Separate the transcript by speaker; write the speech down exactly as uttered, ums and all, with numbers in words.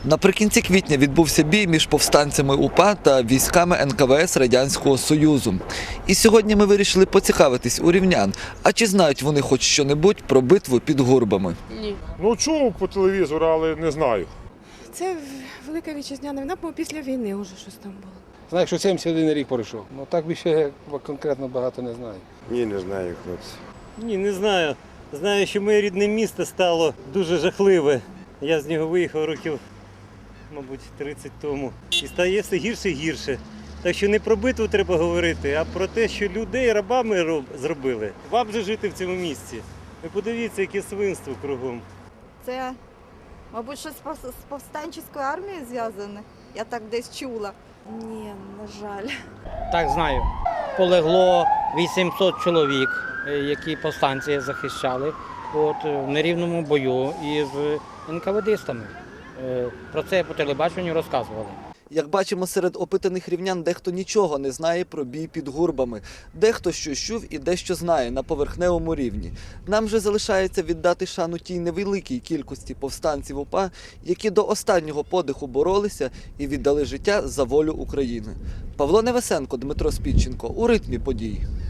Speaker 1: Наприкінці квітня відбувся бій між повстанцями УПА та військами ен ка ве ес Радянського Союзу. І сьогодні ми вирішили поцікавитись у рівнян, а чи знають вони хоч що-небудь про битву під Гурбами.
Speaker 2: Ні.
Speaker 3: Ну, чув по телевізору, але не знаю.
Speaker 2: Це Велика Вітчизняна війна, бо після війни вже щось там було.
Speaker 4: Знаю, що сімдесят один рік пройшов. Ну так більше я конкретно багато не знаю.
Speaker 5: Ні, не знаю, хлопці.
Speaker 6: Ні, не знаю. Знаю, що моє рідне місто стало дуже жахливе. Я з нього виїхав років, мабуть, тридцять тому. І стає все гірше і гірше. Так що не про битву треба говорити, а про те, що людей рабами роб... зробили. Вам же жити в цьому місці. Ви подивіться, яке свинство кругом.
Speaker 7: Це, мабуть, щось з пов- з повстанчою армією зв'язане. Я так десь чула.
Speaker 2: Ні, на жаль.
Speaker 8: Так, знаю. Полегло вісімсот чоловік, е, які повстанці захищали от, в нерівному бою із ен ка ве дистами. Е, Про це по телебаченню розказували.
Speaker 1: Як бачимо, серед опитаних рівнян дехто нічого не знає про бій під Гурбами. Дехто щось чув і дещо знає на поверхневому рівні. Нам же залишається віддати шану тій невеликій кількості повстанців УПА, які до останнього подиху боролися і віддали життя за волю України. Павло Невесенко, Дмитро Спідченко. У ритмі подій.